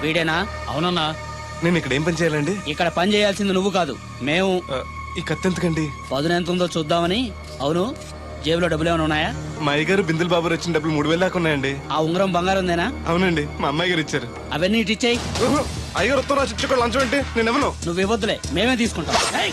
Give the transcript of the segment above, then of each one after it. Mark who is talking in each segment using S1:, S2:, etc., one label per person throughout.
S1: వీడేనా?
S2: అవునన్నా.
S3: నేను ఇక్కడ ఏం పని చేయాలండి?
S1: ఇక్కడ పని చేయాల్సింది నువ్వు కాదు, మేము.
S3: ఈ కత్తి ఎందుకండి?
S1: పదును ఎంత ఉందో చూద్దామని. అవును, జేబులో డబ్బులు ఏమైనా ఉన్నాయా?
S3: మా అయ్యగారు బిందులు బాబు వచ్చిన డబ్బులు 3000 దాకా ఉన్నాయండి.
S1: ఆ ఉంగరం బంగారం ఉందేనా?
S3: అవునండి, మా అమ్మాయి గారు ఇచ్చారు.
S1: అవన్నీ ఇటు ఇచ్చేయి.
S3: అయ్యగారు ఉత్తరం రాసి ఇచ్చుకో లంచం అంటే నేను ఇవ్వను.
S1: నువ్వు ఇవ్వద్దులే, మేమే తీసుకుంటాం. ఏయ్!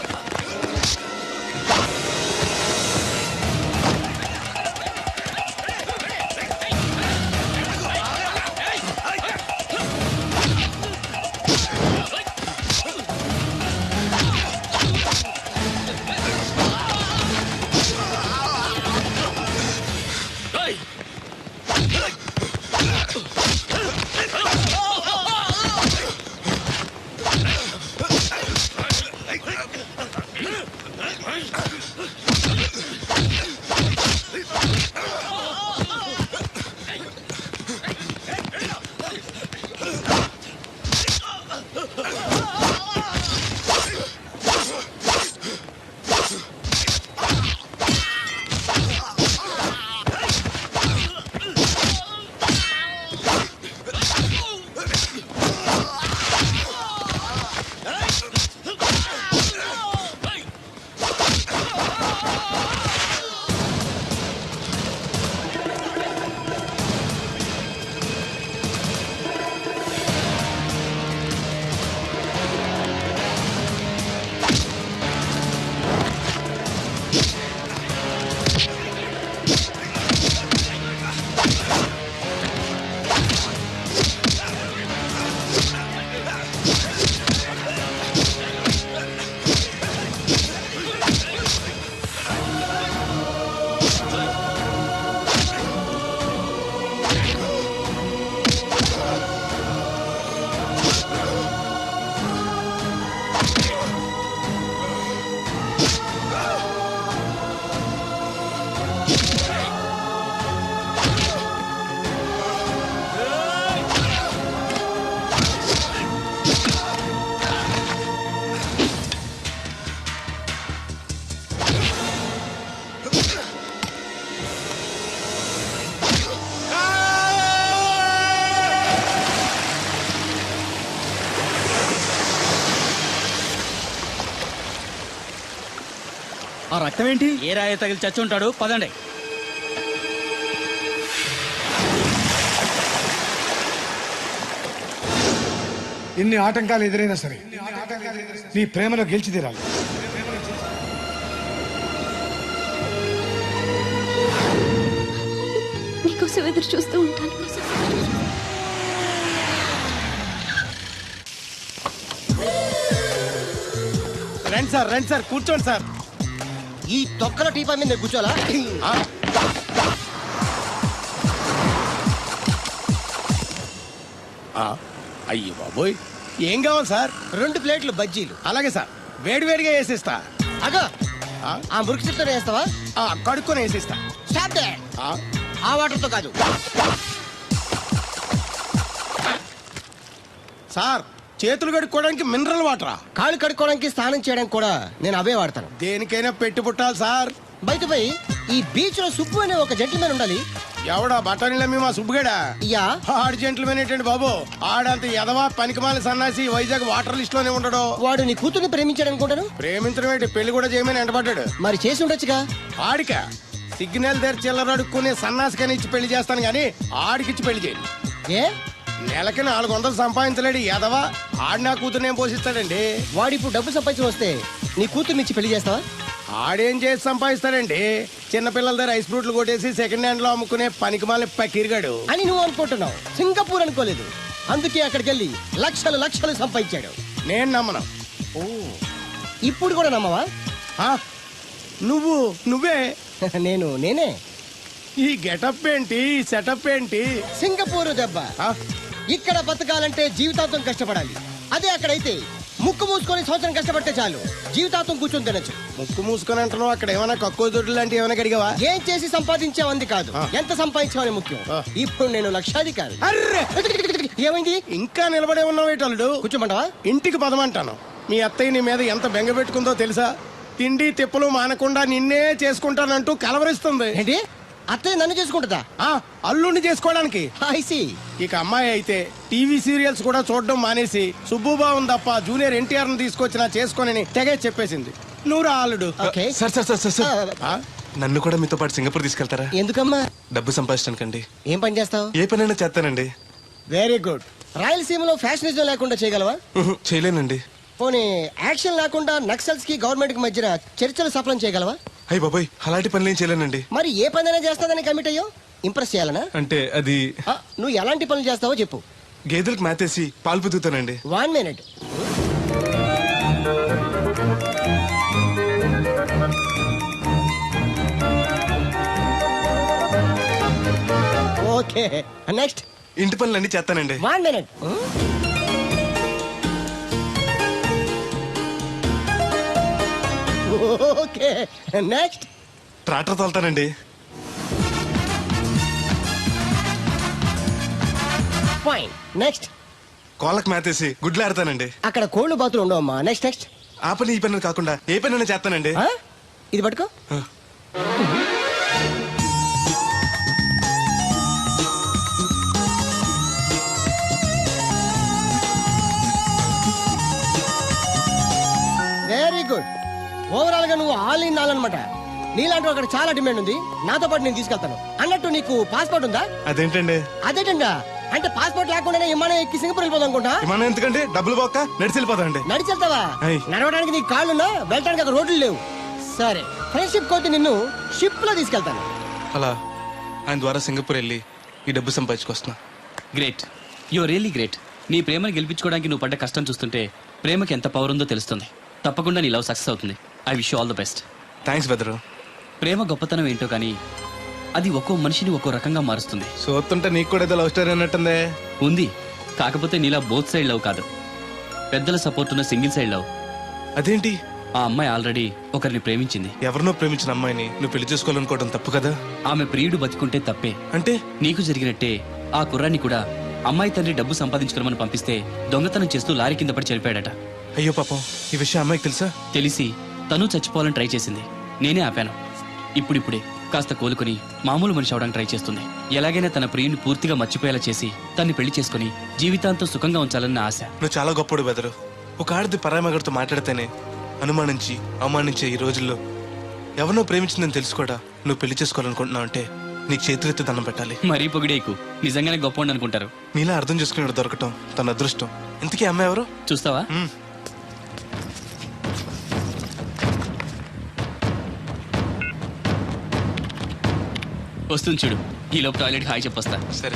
S2: ఆ రక్తం ఏంటి?
S1: ఏ రాయి తగిలి చచ్చి ఉంటాడు. పదండి.
S4: ఎన్ని ఆటంకాలు ఎదురైనా సరే నీ ప్రేమలో గెలిచి తీరాలి.
S5: నీకోసం ఎదురు చూస్తూ ఉంటాను.
S2: రండి సార్ కూర్చోండి సార్.
S6: ఈ తొక్కల టీపా మీద కూర్చోాలా?
S2: అయ్యి బాబోయ్, ఏం కావాలి సార్?
S6: 2 ప్లేట్లు బజ్జీలు.
S2: అలాగే సార్, వేడివేడిగా వేసిస్తా.
S6: అగో ఆ మురికి చెప్తా వేస్తావా?
S2: కడుక్కొని వేసిస్తా.
S6: Stop they. ఆ వాటర్తో కాదు
S2: సార్, చేతులు కడుక్కోవడానికి మినరల్ వాటరా?
S6: కాళ్ళు కడుక్కోవడానికి స్నానం చేయడానికి కూడా నేను అవే వాడతాను.
S2: దేనికైనా పెట్టి పుట్టాలి సార్.
S6: బయట పోయి ఈ బీచ్ లో సుబ్బు అనే ఒక జెంటిల్మెన్ ఉండాలి.
S2: ఎవడా బఠానీల మీ మా సుబ్బుగడా?
S6: యా.
S2: ఆడు జెంట్లమెన్ ఏంటండి బాబు? ఆడంత ఎదవా పనికిమాల సన్నాసి వైజాగ్ వాటర్ లిస్ట్ లోనే ఉండడు.
S6: వాడు నీ కూతుర్ని ప్రేమించాడు అనుకుంటాను.
S2: ప్రేమించడం ఏంటి, పెళ్లి కూడా చేయమని ఎంటబడ్డాడు.
S6: మరి చేసి ఉండొచ్చుగా.
S2: ఆడిక సిగ్నల్ దగ్గర చిల్లర అడుక్కునే సన్నాసికని ఇచ్చి పెళ్లి చేస్తాను గానీ ఆడికిచ్చి పెళ్లి చేయను.
S6: ఏ
S2: నెలకి 400 సంపాదించలేడు ఎదవా. ఆడి నా కూతురునేం పోషిస్తాడండి?
S6: వాడిప్పుడు డబ్బు సంపాదించి వస్తే నీ కూతుర్ని ఇచ్చి పెళ్లి చేస్తావా?
S2: ఆడేం చేసి సంపాదిస్తాడండి? చిన్నపిల్లల దగ్గర ఐస్ ఫ్రూట్లు కొట్టేసి సెకండ్ హ్యాండ్ లో అమ్ముకునే పనికిమాల పకీర్గాడు
S6: అని నువ్వు అనుకుంటున్నావు. సింగపూర్ అనుకోలేదు. అందుకే అక్కడికి వెళ్ళి లక్షలు లక్షలు సంపాదించాడు.
S2: నేను నమ్మను.
S6: ఓ, ఇప్పుడు కూడా నమ్మవా?
S2: నువ్వే
S6: నేనే.
S2: ఈ గెటప్ ఏంటి, ఈ సెటప్ ఏంటి?
S6: సింగపూర్ దెబ్బ. ఇక్కడ బతకాలంటే జీవితాంతం కష్టపడాలి. అదే అక్కడైతే ముక్కు మూసుకొని సంవత్సరం కష్టపడితే చాలు, జీవితాంతం కూర్చొని తినచ్చు.
S2: ముక్కు మూసుకొని అంటున్నావు, అక్కడ ఏమైనా కక్కువ దొడ్లు లాంటి ఏమైనా కడిగావా?
S6: ఏం చేసి సంపాదించావంది కాదు, ఎంత సంపాదించావని ముఖ్యం. ఇప్పుడు నేను లక్షాధికారి.
S2: అర్రే,
S6: ఏమైంది?
S2: ఇంకా నిలబడే ఉన్నావు ఏటల్లుడు?
S6: కూర్చోమంటావా?
S2: ఇంటికి పదమంటాను. మీ అత్తయ్య నీ మీద ఎంత బెంగ పెట్టుకుందో తెలుసా? తిండి తిప్పలు మానకుండా నిన్నే చేసుకుంటానంటూ కలవరిస్తుంది.
S6: ఏంటి? అత్తయ్య నన్ను చేసుకుంటుందా?
S2: అల్లుడిని చేసుకోవడానికి.
S6: ఐసి.
S2: ఇక అమ్మాయి అయితే టీవీ సీరియల్స్ కూడా చూడడం మానేసి సుబ్బుబాబు తప్ప జూనియర్ ఎన్టీఆర్ ని తీసుకొచ్చినా చేసుకోనని తెగే చెప్పేసింది. నువ్వు రా అల్లుడు.
S6: ఓకే.
S3: సార్ నన్ను కూడా మీతో పాటు సింగపూర్ తీసుకెళ్తారా?
S6: ఎందుకమ్మా?
S3: డబ్బు సంపాదించడానికండి.
S6: ఏం పని చేస్తావు?
S3: ఏ పనైనా చేస్తానండి.
S6: Very good. రాయలసీమలో ఫ్యాషనిజం లేకుండా చేయగలవా?
S3: చేయలేనండి.
S6: పోనీ యాక్షన్ లేకుండా నక్సల్స్ కి గవర్నమెంట్ కి మధ్యన చర్చలు సఫలం చేయగలవా?
S3: అయ్యి బాబాయ్ అలాంటి పనులు ఏం చేయలేనండి.
S6: మరి ఏ పనైనా చేస్తాదని కమిట్ అయ్యో? ఇంప్రెస్ చేయాలనా?
S3: అంటే అది
S6: నువ్వు ఎలాంటి పనులు చేస్తావో చెప్పు.
S3: గేదెలకు మేతేసి పాలు పుదుగుతానండి.
S6: 1 minute. Okay, next.
S3: ఇంటి పనులు అన్ని చేస్తానండి.
S6: 1 minute. Okay, next.
S3: ట్రాక్టర్ తోలుతానండి.
S6: Fine, next.
S3: కోళ్ళకు మేతేసి గుడ్లు ఆడతానండి.
S6: అక్కడ కోళ్ళు బాతులు ఉండవమ్మా. Next next.
S3: ఆ పని ఈ పని కాకుండా ఏ పనైనా చేస్తానండి.
S6: ఇది పట్టుకో. Very good. ఓవరాల్ గా నువ్వు ఆల్ ఇన్ ఆల్ అనమాట. నీలాంటి అక్కడ చాలా డిమాండ్ ఉంది. నాతో పాటు నేను తీసుకెళ్తాను. అన్నట్టు నీకు పాస్పోర్ట్ ఉందా?
S3: అదేంటండి?
S6: అదేటండా అంటే పాస్పోర్ట్ లేకుండానే విమానం ఎక్కి సింగపూర్ వెళ్ళిపోదాం అనుకుంటా.
S3: విమానం ఎందుకండి? డబ్బులు పోక నడిచి వెళ్ళిపోతాండి.
S6: నడిచి వెళ్తావా?
S3: అయ్.
S6: నడవడానికి నీకు కాళ్ళున్నా, వెళ్ళడానికి అక్కడ రోడ్లు లేవు. సరే, ఫ్రెండ్షిప్ కోతి నిన్ను షిప్ లో తీసుకెళ్తాను.
S3: అలా ఆయన ద్వారా సింగపూర్ వెళ్ళి ఈ డబ్బు సంపాదించుకొస్తున్నా.
S1: Great, you really great. నీ ప్రేమను గెలిపించుకోవడానికి నువ్వు పడ్డ కష్టం చూస్తుంటే ప్రేమకి ఎంత పవర్ ఉందో తెలుస్తుంది. తప్పకుండా నీ లవ్ సక్సెస్ అవుతుంది. I wish you all the best.
S3: Thanks బెదరు.
S1: ప్రేమ గొప్పతనం ఏంటో కానీ అది ఒక్కో మనిషిని ఒక్కో రకంగా మారుస్తుంది.
S3: చూస్తుంటే నీకు కూడా ఏదో లవ్ స్టోరీ అన్నట్టుందే.
S1: ఉంది, కాకపోతే నీలా బోత్ సైడ్ లవ్ కాదు, పెద్దల సపోర్ట్ ఉన్న సింగిల్ సైడ్ లవ్.
S3: అదేంటి?
S1: ఆ అమ్మాయి ఆల్రెడీ ఒకరిని ప్రేమించింది.
S3: ఎవరినో ప్రేమించిన అమ్మాయిని నువ్వు పెళ్లి చేసుకోవాలనుకోవడం తప్పు కదా?
S1: ఆమె ప్రియుడు బతికుంటే తప్పే.
S3: అంటే
S1: నీకు జరిగినట్టే ఆ కుర్రాన్ని కూడా అమ్మాయి తండ్రి డబ్బు సంపాదించుకోమని పంపిస్తే దొంగతనం చేస్తూ లారీ కింద పడి చనిపోయాడట.
S3: అయ్యో పాపం, ఈ విషయం అమ్మాయికి తెలుసా?
S1: తెలిసి తను చచ్చిపోవాలని ట్రై చేసింది. నేనే ఆపాను. ఇప్పుడిప్పుడే కాస్త కోలుకుని మామూలు మనిషి అవడానికి ట్రై చేస్తుంది. ఎలాగైనా తన ప్రియుని పూర్తిగా మర్చిపోయేలా చేసి తన్ని పెళ్లి చేసుకుని జీవితాంతం సుఖంగా ఉంచాలన్న ఆశ.
S3: నువ్వు చాలా గొప్పడు బెదరు. ఒక ఆడది పరామగడితో మాట్లాడితేనే అనుమానించి అవమానించే ఈ రోజుల్లో ఎవరినో ప్రేమించిందని తెలుసు కూడా నువ్వు పెళ్లి చేసుకోవాలనుకుంటున్నావు అంటే నీకు చేతులెత్తి దండం పెట్టాలి.
S1: మరీ పొగిడేకు, నిజంగానే గొప్ప అనుకుంటారు.
S3: నీలా అర్థం చేసుకునే దొరకటం తన అదృష్టం. ఇంతకీ అమ్మాయి ఎవరు?
S1: చూస్తావా? వస్తుంది చూడు. ఈ లోపు టాయిలెట్ హాయ్ చెప్పొస్తా.
S3: సరే.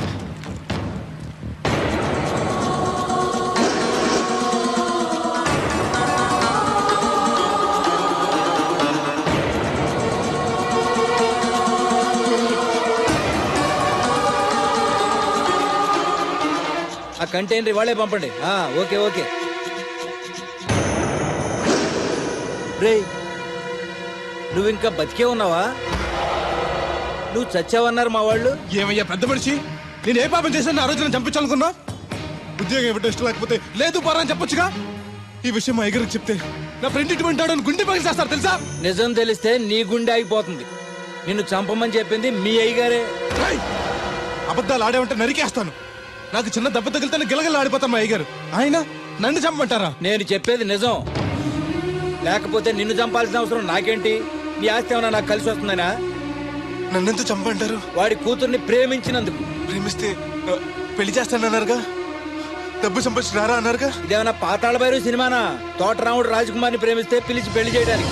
S7: ఆ కంటైనర్ వాళ్ళే పంపండి. Okay okay. రేయ్, నువ్వు ఇంకా బతికే ఉన్నావా? నువ్వు చచ్చావన్నారు మా వాళ్ళు.
S3: ఏమయ్యా పెద్ద మనిషి, నేను ఏ పాపం చేశాను ఆ రోజు నేను చంపించాలనుకున్నా? ఉద్యోగం ఇవ్వడం ఇష్టం లేకపోతే లేదు పరా అని చెప్పొచ్చుగా. ఈ విషయం మా ఎగరికి చెప్తే నా ఫ్రెండ్ ఇటువంటి వాడు గుండె పగిలి చేస్తారు తెలుసా?
S7: నిజం తెలిస్తే నీ గుండె ఆగిపోతుంది. నిన్ను చంపమని చెప్పింది మీ అయ్యగారే.
S3: అబద్ధాలు ఆడేమంటే నరికేస్తాను. నాకు చిన్న దెబ్బ తగిలితే గిలగల ఆడిపోతాను మా అయ్యగారు. ఆయన నన్ను చంపమంటారా?
S7: నేను చెప్పేది నిజం. లేకపోతే నిన్ను చంపాల్సిన అవసరం నాకేంటి? నీ ఆస్తి ఏమన్నా నాకు కలిసి వస్తుందనా?
S3: నన్నెంత చంపంటారు?
S7: వాడి కూతుర్ని ప్రేమించినందుకు.
S3: ప్రేమిస్తే పెళ్లి చేస్తానన్నారుగా, డబ్బు సంపాదించి రారా అన్నారుగా.
S7: ఇదేమన్నా పాతాళ భైరవ సినిమానా? తోటరాముడు రాజకుమార్ని ప్రేమిస్తే పిలిచి పెళ్లి చేయడానికి.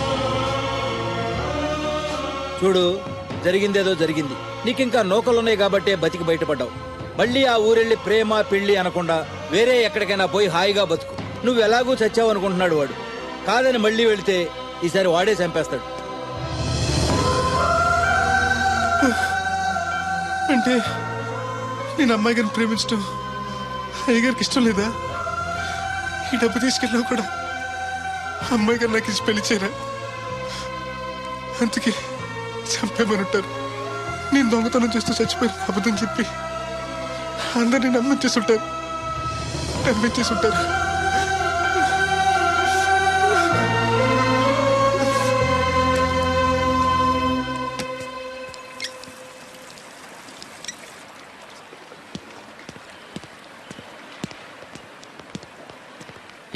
S7: చూడు, జరిగిందేదో జరిగింది. నీకింకా నౌకలున్నాయి కాబట్టే బతికి బయటపడ్డావు. మళ్ళీ ఆ ఊరెళ్ళి ప్రేమ పెళ్లి అనకుండా వేరే ఎక్కడికైనా పోయి హాయిగా బతుకు. నువ్వు ఎలాగూ చచ్చావు అనుకుంటున్నాడు వాడు. కాదని మళ్ళీ వెళితే ఈసారి వాడే చంపేస్తాడు.
S3: అంటే నేను అమ్మాయి గారిని ప్రేమించడం అయ్యగారికి ఇష్టం లేదా? ఈ డబ్బు తీసుకెళ్ళినా కూడా అమ్మాయి గారు నాకు ఇచ్చి పెళ్లి చేయరా? అందుకే చంపేమని ఉంటారు. నేను దొంగతనం చేస్తూ చచ్చిపోయిన అబద్ధం చెప్పి అందరినీ నమ్మించేస్తుంటారు.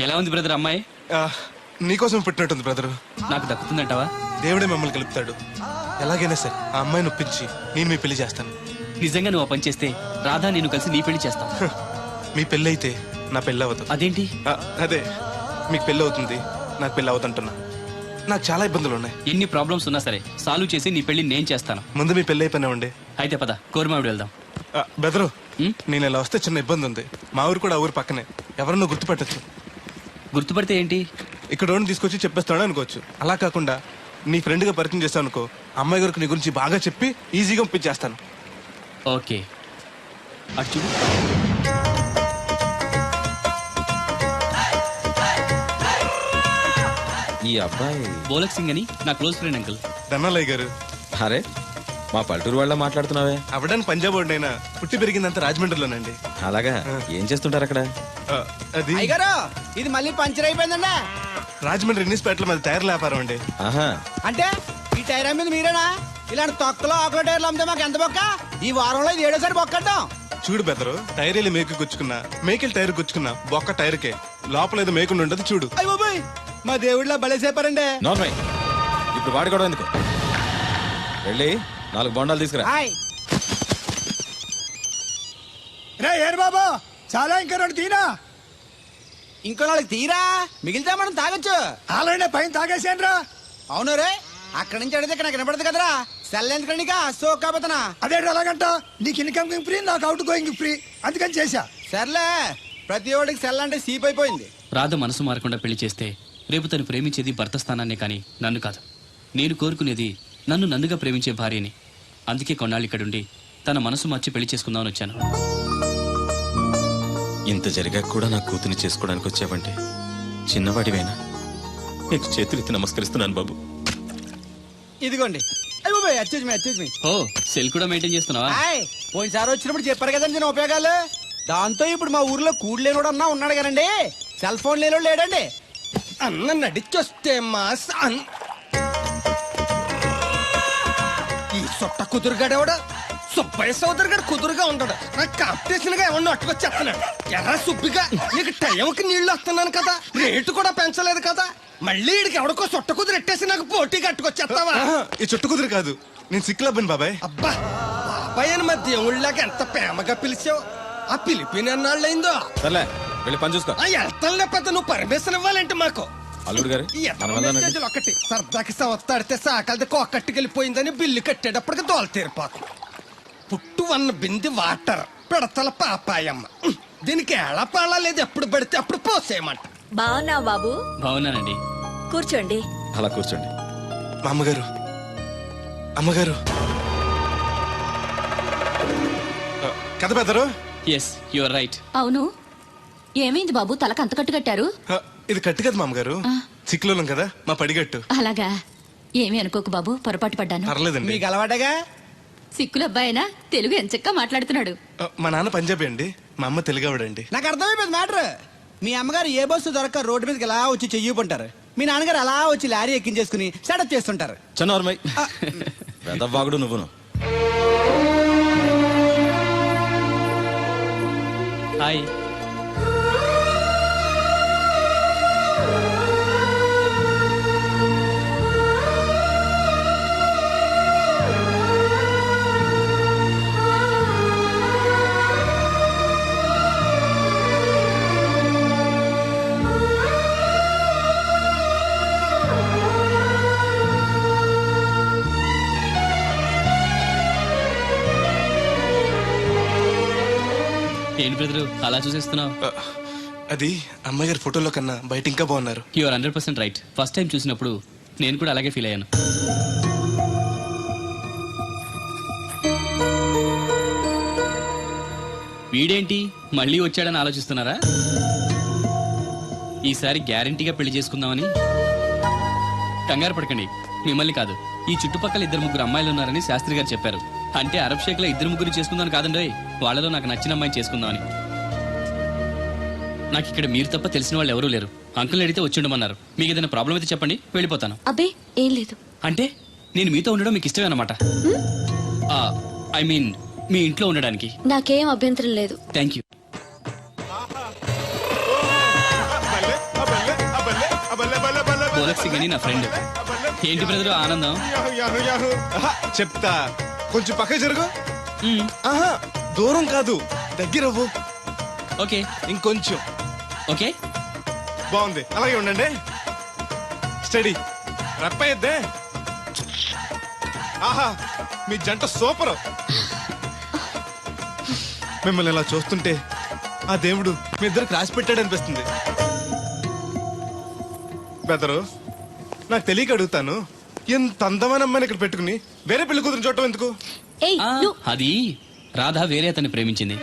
S1: ఎలా ఉంది బ్రదర్ అమ్మాయి?
S3: ఆ, నీకోసం పుట్టినట్టుంది బ్రదరు.
S1: నాకు దక్కుతుందంటావా?
S3: దేవుడే మిమ్మల్ని కలుపుతాడు. ఎలాగైనా సరే ఆ అమ్మాయిని ఒప్పించి నేను మీ పెళ్లి చేస్తాను.
S1: నిజంగా నువ్వు ఆ పని చేస్తే రాధా నేను కలిసి నీ పెళ్లి చేస్తాం.
S3: మీ పెళ్ళి అయితే నా పెళ్ళి అవ్వదు.
S1: అదేంటి?
S3: అదే మీకు పెళ్ళి అవుతుంది, నాకు పెళ్ళి అవుతుంటున్నా. నాకు చాలా ఇబ్బందులు ఉన్నాయి.
S1: ఎన్ని ప్రాబ్లమ్స్ ఉన్నా సరే సాల్వ్ చేసి నీ పెళ్లి నేను చేస్తాను.
S3: ముందు మీ పెళ్ళి అయిపోయినా ఉండే.
S1: అయితే పద కోరమావిడి వెళ్దాం.
S3: బెదరు,
S1: ఉమ్?
S3: నేను ఇలా వస్తే చిన్న ఇబ్బంది ఉంది. మా ఊరు కూడా ఆ ఊరు పక్కనే. ఎవరన్నా గుర్తుపెట్టచ్చు.
S1: గుర్తుపడితే ఏంటి?
S3: ఇక్కడ ఉండి తీసుకొచ్చి చెప్పేస్తాడు అనుకోవచ్చు. అలా కాకుండా నీ ఫ్రెండ్గా పరిచయం చేస్తాను అనుకో, అమ్మాయి గారికి నీ గురించి బాగా చెప్పి ఈజీగా పంపించేస్తాను.
S1: ఓకే, అటు చూడు.
S8: ఈ అబ్బాయి
S1: బోలక్ సింగ్ అని నా క్లోజ్ ఫ్రెండ్ అంకుల్.
S3: ధనాలయ్య గారు.
S8: అరే మా పల్లెటూరు వాళ్ళ మాట్లాడుతున్నావే.
S3: అవడానికి పంజాబ్ వాడినైనా పుట్టి పెరిగిందంతా రాజమండ్రిలోనండి.
S8: అలాగా ఏం చేస్తుంటారు అక్కడ?
S3: ఆ, అది
S6: అయ్యగారు ఇది మళ్ళీ పంచర్ అయిపోయిందండి.
S3: రాజమండ్రి ఇన్నిస్పేటలో మాది టైర్ల వ్యాపారం అండి.
S8: ఆహా,
S6: అంటే ఈ టైర్ మీద మీరేనా? ఇలాంటి తొక్కలో ఆకుల టైర్లు అమ్మితే మాకు ఎంత బొక్క? ఈ వారంలో ఇది ఏడోసారి బొక్కడ్డాం.
S3: చూడు బెదరు, టైర్ వెళ్ళి మేకు గుచ్చుకున్నా, మేకెళ్ళి టైర్ గుచ్చుకున్నా బొక్క టైర్కే. లోపల ఏదో మేకుండా ఉండదు చూడు.
S6: అయ్య బాబాయ్, మా దేవుడిలా బలేసేపారండి.
S8: నార్మల్. ఇప్పుడు వాడుకోవడం ఎందుకు? వెళ్ళి 4 బొండాలు తీసుకురా.
S6: హాయ్
S4: రే ఏరు బాబా, చాలా ఇంకా 2 తీనా.
S6: ఇంకో నాలుగు తీరా మిగిలితే మనం తాగొచ్చు.
S4: ఆల్రెడీ పైన తాగేసాను రా.
S6: అవును రే, అక్కడి నుంచి అడిగితే ఇక్కడ నాకు వినపడదు కదరా. సెల్ ఎందుకండి సో కాబోతున్నా.
S4: అదే అలాగంట, నీకు ఇన్కమింగ్ ఫ్రీ, నాకు అవుట్ గోయింగ్ ఫ్రీ, అందుకని చేశా.
S6: సర్లే, ప్రతి ఒడికి సెల్ అంటే సీప్ అయిపోయింది.
S1: రాధ మనసు మారకుండా పెళ్లి చేస్తే రేపు తను ప్రేమించేది భర్త స్థానాన్నే కానీ నన్ను కాదు. నేను కోరుకునేది నన్ను నన్నుగా ప్రేమించే భార్యని. అందుకే కొన్నాళ్ళు ఇక్కడుండి తన మనసు మార్చి పెళ్లి చేసుకుందామని వచ్చాను.
S8: ఇంత జరిగాక కూడా నా కూతుని చేసుకోవడానికి వచ్చావంటే చిన్నవాడివైనా నీకు చేతులెత్తి నమస్కరిస్తున్నాను బాబు.
S6: ఇదిగోండి. అయ్య బాబాయ్, అచ్చేజ్ మీ.
S1: ఓ, సెల్ కూడా మెయింటైన్ చేస్తున్నావా?
S6: హాయ్, పోయినసారి వచ్చినప్పుడు చెప్పారు కదండి నేను ఉపయోగాలు. దాంతో ఇప్పుడు మా ఊర్లో కూడలేనోడు అన్నా ఉన్నాడు కదండి, సెల్ ఫోన్ లేనోడు లేడండి.
S2: అన్న నడిచొస్తే మాస్ ఈ సొట్ట కుదురుగాడేవాడు సుబ్బయ్య సోదరు గారు కుదురుగా ఉంటాడు. నాకు కాంపిటీషన్ గా ఎవరిని అట్టుకొచ్చేస్తున్నాడు. ఎర్ర సుబ్బిగా నీకు టైంకి నీళ్లు వస్తున్నాను కదా, రేటు కూడా పెంచలేదు కదా, మళ్ళీ ఇడికి ఎవడికో సొట్ట కుదురు ఎట్టేసి నాకు పోటీ కట్టుకొచ్చేస్తావా?
S3: ఆహా, ఈ చుట్టు కుదురు కాదు, నేను సిక్కులబ్బాను బాబాయ్.
S2: అబ్బా, బాబాయ్ అని మా దేవుళ్ళకి ఎంత ప్రేమగా పిలిచావు. ఆ పిలిపిన ఎన్నాళ్ళైందో.
S8: సర్లే వెళ్ళి పని చూసుకో.
S2: ఆ వెళ్తాను లేకపోతే నువ్వు పర్మిషన్ ఇవ్వాలంటే మాకు.
S8: అల్లుడు గారు
S2: ఈ ఎదవ మెసేజ్లు ఒకటి సరదాకి సంవత్సరాడితే సాకలది కోకట్టుకెళ్ళిపోయిందని బిల్లు కట్టేటప్పటికి దోల తీరిపోతుంది. పుట్టు వన్న బింది వాటర్ పిడతల పాపాయమ్మ. దీనికి ఎలా పాలా లేదు, ఎప్పుడు పడితే అప్పుడు పోసేయమంట.
S5: బాగున్నావు బాబు?
S1: బాగున్నానండి.
S5: కూర్చోండి.
S8: అలా కూర్చోండి.
S3: మా అమ్మగారు, అమ్మగారు. కథ బెదరు.
S1: Yes, your right.
S5: అవును, ఏమైంది బాబు తలకు అంత కట్టు కట్టారు?
S3: ఇది కట్టు కదా మా అమ్మగారు, సిక్కులోలం కదా మా పడిగట్టు.
S5: అలాగా, ఏమీ అనుకోకు బాబు, పొరపాటు పడ్డాను.
S3: పర్లేదండి.
S6: మీకు అలవాటగా.
S5: సిక్కుల అబ్బాయినా తెలుగు ఎంచక్కా మాట్లాడుతున్నాడు.
S3: మా నాన్న పంజాబీ అండి, మా అమ్మ తెలుగావిడండి.
S6: నాకు అర్థమైపోయింది మ్యాటర్. మీ అమ్మగారు ఏ బస్సు దొరక్క రోడ్డు మీదకి ఎలా వచ్చి చెయ్యిపుంటారు, మీ నాన్నగారు అలా వచ్చి లారీ ఎక్కించేసుకుని సెటప్ చేస్తుంటారు.
S8: చన్నోర్మై వెదవ్వాగుడు నువ్వును.
S1: హాయ్. ఏంటి బ్రదరు అలా చూసేస్తున్నావు?
S3: అది అమ్మగారి ఫోటోలో కన్నా బయట ఇంకా బాగున్నారు.
S1: You're 100% right. ఫస్ట్ టైం చూసినప్పుడు నేను కూడా అలాగే ఫీల్ అయ్యాను. వీడేంటి మళ్ళీ వచ్చాడని ఆలోచిస్తున్నారా? ఈసారి గ్యారంటీగా పెళ్లి చేసుకుందామని. కంగారు పడకండి, మిమ్మల్ని కాదు, ఈ చుట్టుపక్కల 2-3 అమ్మాయిలు ఉన్నారని శాస్త్రి గారు చెప్పారు. అంటే అరబ్ షేక్ లో 2-3 చేసుకుందాం కాదండి, వాళ్ళలో నాకు నచ్చిన అమ్మాయిని చేసుకుందామని. నాకు ఇక్కడ మీరు తప్ప తెలిసిన వాళ్ళు ఎవరూ లేరు. అంకుల్ అడిగితే వచ్చి ఉండమన్నారు. మీకు ఏదైనా ప్రాబ్లం అయితే చెప్పండి, వెళ్ళిపోతాను.
S5: అబ్బే ఏం లేదు.
S1: అంటే నేను మీతో ఉండడం మీకు ఇష్టమే అన్నమాట. ఐ మీన్ మీ ఇంట్లో ఉండడానికి.
S5: నాకేం అభ్యంతరం లేదు.
S1: Thank you. గోలక్ సింగ్ అని నా ఫ్రెండ్. ఏంటి బ్రదర్ ఆనందం?
S3: ఆహా, చెప్తా. కొంచెం పక్క జరుగు.
S1: మ్మ్.
S3: ఆహా, దూరం కాదు, దగ్గరవ్వు.
S1: ఓకే
S3: ఇంకొంచెం.
S1: ఓకే.
S3: బాగుంది, అలాగే ఉండండి. స్టడీ రప్పయ్యద్దే. ఆహా, మీ జంట సూపర్. మిమ్మల్ని ఇలా చూస్తుంటే ఆ దేవుడు మీ ఇద్దరికి రాసి పెట్టాడు అనిపిస్తుంది. బెదరు, నాకు తెలియక అడుగుతాను, ఎంత అందమైన అమ్మాయిని ఇక్కడ పెట్టుకుని వేరే పెళ్లి కూతురు చూడటం ఎందుకు?
S5: ఏయ్
S1: ఆ,
S5: నువ్వు
S1: అది రాధ వేరే అతన్ని ప్రేమించింది.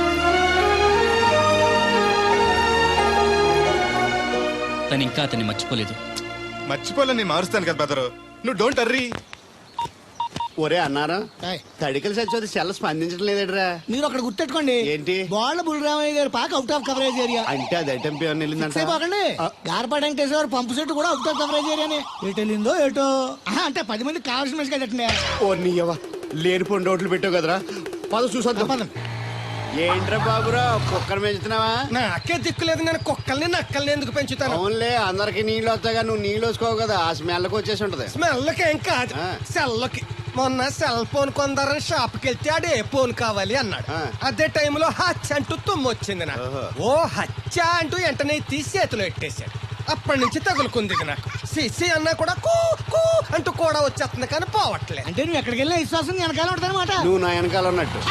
S1: తను ఇంకా అతన్ని మర్చిపోలేదు.
S3: మర్చిపోలే మారుస్తాను కదా బెదరు, నువ్వు డోంట్ అర్రీ.
S9: ఒరే అన్నారా, తడికలు చచ్చి సెల్ స్పందించడం లేదట్రా.
S6: మీరు అక్కడ గుర్తెట్టుకోండి,
S9: ఏంటి
S6: బాళ్ళ బుల్రామయ్య గారి పాక అవుట్ ఆఫ్ కవరేజ్ ఏరియా.
S9: అంటే అది ఐటమ్ పేరు వెళ్ళిందంట.
S6: పోకండి, గార్పాటి వెంకటేశ్వర పంపు సెట్ కూడా అవుట్ ఆఫ్ కవరేజ్ ఏరియానే. ఎటు వెళ్ళిందో ఏటో. అంటే 10 మంది కావాల్సిన మనిషి కదండి.
S9: ఓ నీయవ్వ, లేనిపోయిన రోడ్లు పెట్టావు కదరా. పద చూసొద్దాం. ఏంట్రా బాబురా, కుక్కర్ పెంచుతున్నావా?
S2: నాకే దిక్కులేదు, నేను కుక్కల్ని నక్కల్ని ఎందుకు పెంచుతాను?
S9: అవునులే, అందరికి నీళ్ళు వస్తాగా, నువ్వు నీళ్ళు వేసుకోవు కదా, ఆ స్మెల్కి వచ్చేసి ఉంటది.
S2: స్మెల్కి ఏం కాదు,
S9: ఆ.
S2: సెల్కి. మొన్న సెల్ ఫోన్ కొందరని షాప్కి వెళ్తే ఆడు ఏ ఫోన్ కావాలి అన్నాడు.
S9: ఆ.
S2: అదే టైంలో హచ్చ అంటూ తుమ్మొచ్చింది నాకు.
S9: ఓహో.
S2: ఓ హచ్చ అంటూ వెంటనే తీసి చేతిలో ఎట్టేశాడు. అప్పటి నుంచి తగులుకుంది ఇది నాకు. సిసి అన్నా కూడా కూ కూ అంటూ కూడా వచ్చేస్తుంది కానీ పోవట్లేదు.
S6: అంటే నువ్వు ఎక్కడికి వెళ్ళిన విశ్వాసం వెనకాల ఉంటుందన్నమాట.
S9: నువ్వు నా వెనకాల ఉన్నట్టు.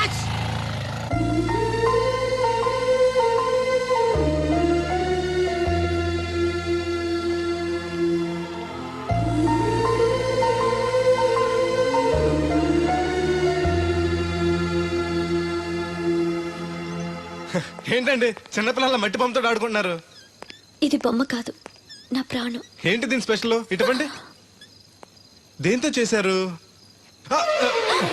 S3: ఏంటండి చిన్నపిల్లల మట్టి పంపుతో ఆడుకుంటున్నారు?
S5: ఇది బొమ్మ కాదు, నా ప్రాణం.
S3: ఏంటి దీని స్పెషల్? ఇటువంటి దేంతో చేశారు? ఆ, ఆ.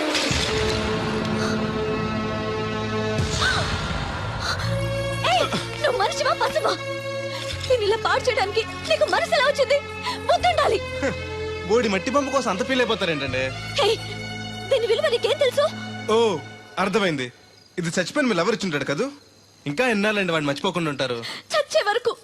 S5: ఏయ్, నువ్వు మనిషివా పశువా? నేను ఇలా పాడు చేయడానికి నీకు మనసు ఎలా వచ్చింది? బుద్ధుండాలి.
S3: బోడి మట్టి పంపు కోసం అంత ఫీల్ అయిపోతారేంటండి?
S5: ఏయ్, దీని విలువ నీకేం తెలుసు?
S3: ఓ, అర్థమైంది. ఇది చచ్చిపోయిన మీ లవర్ ఇచ్చుంటాడు కదూ. ఇంకా ఎన్నాళ్ళండి వాడిని మర్చిపోకుండా ఉంటారు?
S5: చచ్చే వరకు